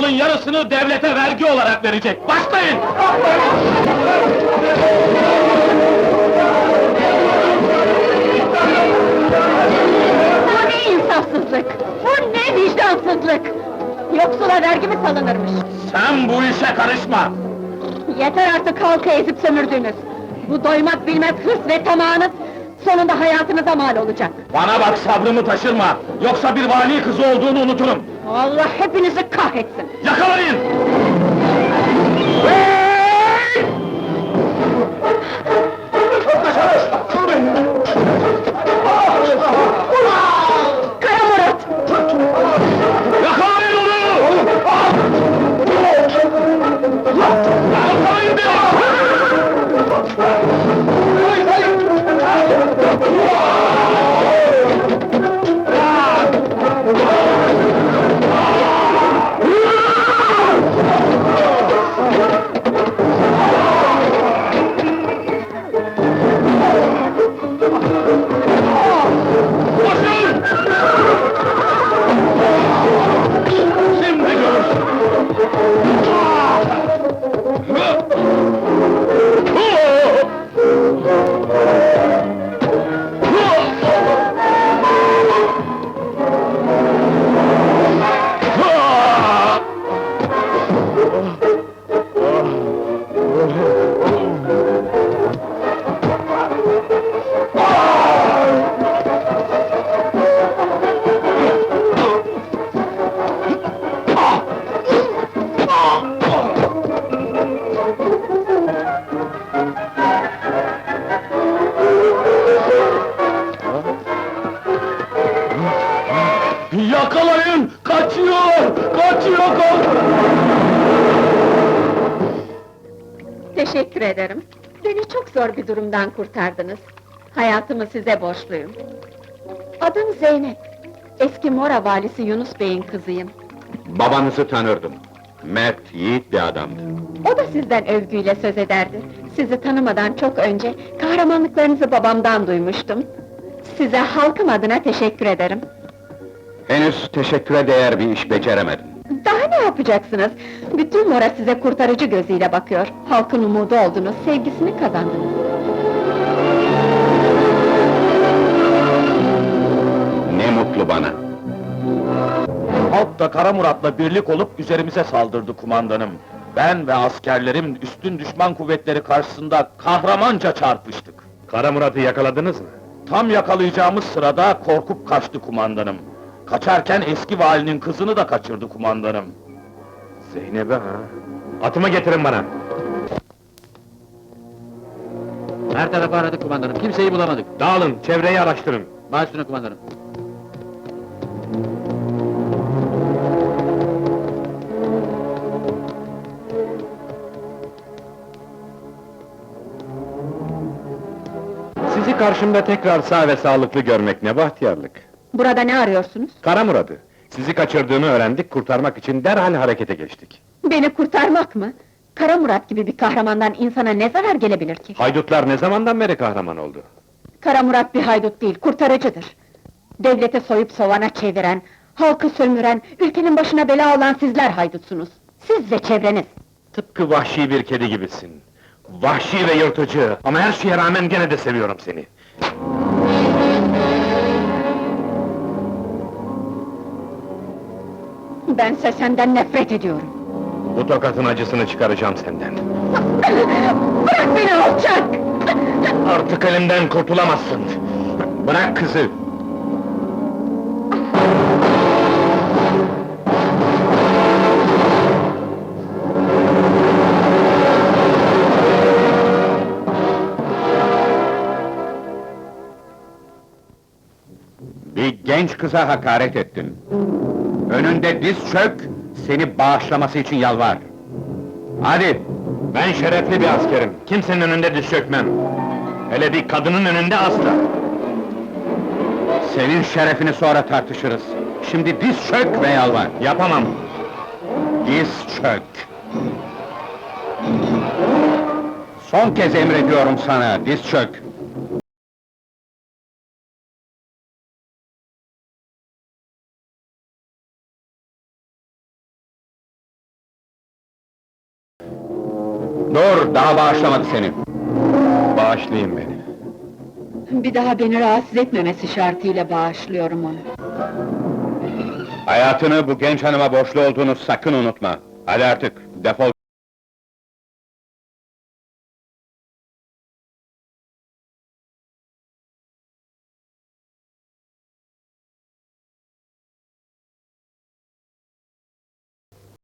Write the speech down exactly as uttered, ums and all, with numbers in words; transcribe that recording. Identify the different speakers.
Speaker 1: malın yarısını devlete vergi olarak verecek. Başlayın!
Speaker 2: Bu ne insafsızlık! Bu ne vicdansızlık! Yoksula vergi mi salınırmış?
Speaker 1: Sen bu işe karışma!
Speaker 2: Yeter artık halkı ezip sömürdünüz! Bu doymak bilmez hırs ve tamağınız, sonunda hayatınıza mal olacak!
Speaker 1: Bana bak, sabrımı taşırma! Yoksa bir vali kızı olduğunu unuturum!
Speaker 2: Allah hepinizi kahretsin!
Speaker 1: Yakalayın!
Speaker 2: Kara Murat!
Speaker 1: Yakalayın onu! Yakalayın beni! Koşun! Şimdi görürsün! Yakalayın! Kaçıyor! Kaçıyor! Kaç!
Speaker 2: Teşekkür ederim. Beni çok zor bir durumdan kurtardınız. Hayatımı size borçluyum. Adım Zeynep. Eski Mora valisi Yunus Bey'in kızıyım.
Speaker 3: Babanızı tanırdım. Mert, yiğit bir adamdı.
Speaker 2: O da sizden övgüyle söz ederdi. Sizi tanımadan çok önce kahramanlıklarınızı babamdan duymuştum. Size halkım adına teşekkür ederim.
Speaker 3: Henüz teşekküre değer bir iş beceremedim.
Speaker 2: Daha ne yapacaksınız? Bütün Mora size kurtarıcı gözüyle bakıyor. Halkın umudu oldunuz, sevgisini kazandınız.
Speaker 3: Ne mutlu bana.
Speaker 1: Halk da Kara Murat'la birlik olup üzerimize saldırdı kumandanım. Ben ve askerlerim üstün düşman kuvvetleri karşısında kahramanca çarpıştık.
Speaker 3: Kara Murat'ı yakaladınız mı?
Speaker 1: Tam yakalayacağımız sırada korkup kaçtı kumandanım. Kaçarken eski valinin kızını da kaçırdı kumandanım.
Speaker 3: Zeynep'e ha? Atımı getirin bana.
Speaker 4: Her tarafı aradık kumandanım, kimseyi bulamadık.
Speaker 3: Dağılın, çevreyi araştırın.
Speaker 4: Baş üstüne kumandanım.
Speaker 3: Sizi karşımda tekrar sağ ve sağlıklı görmek ne bahtiyarlık.
Speaker 2: Burada ne arıyorsunuz?
Speaker 3: Kara Murat'ı. Sizi kaçırdığını öğrendik, kurtarmak için derhal harekete geçtik.
Speaker 2: Beni kurtarmak mı? Kara Murat gibi bir kahramandan insana ne zarar gelebilir ki?
Speaker 3: Haydutlar ne zamandan beri kahraman oldu?
Speaker 2: Kara Murat bir haydut değil, kurtarıcıdır. Devlete soyup sovana çeviren, halkı sömüren, ülkenin başına bela olan sizler haydutsunuz. Siz ve çevreniz.
Speaker 3: Tıpkı vahşi bir kedi gibisin. Vahşi ve yırtıcı, ama her şeye rağmen gene de seviyorum seni.
Speaker 2: Bense senden nefret ediyorum.
Speaker 3: Bu tokatın acısını çıkaracağım senden.
Speaker 2: Bırak beni alçak!
Speaker 3: Artık elimden kurtulamazsın! Bırak kızı! Bir genç kıza hakaret ettin. Önünde diz çök, seni bağışlaması için yalvar. Hadi! Ben şerefli bir askerim, kimsenin önünde diz çökmem. Hele bir kadının önünde asla! Senin şerefini sonra tartışırız. Şimdi diz çök ve yalvar. Yapamam! Diz çök! Son kez emrediyorum sana, diz çök! Dur, daha bağışlamadı seni. Bağışlayın beni.
Speaker 2: Bir daha beni rahatsız etmemesi şartıyla bağışlıyorum onu.
Speaker 3: Hayatını bu genç hanıma borçlu olduğunu sakın unutma. Hadi artık, defol.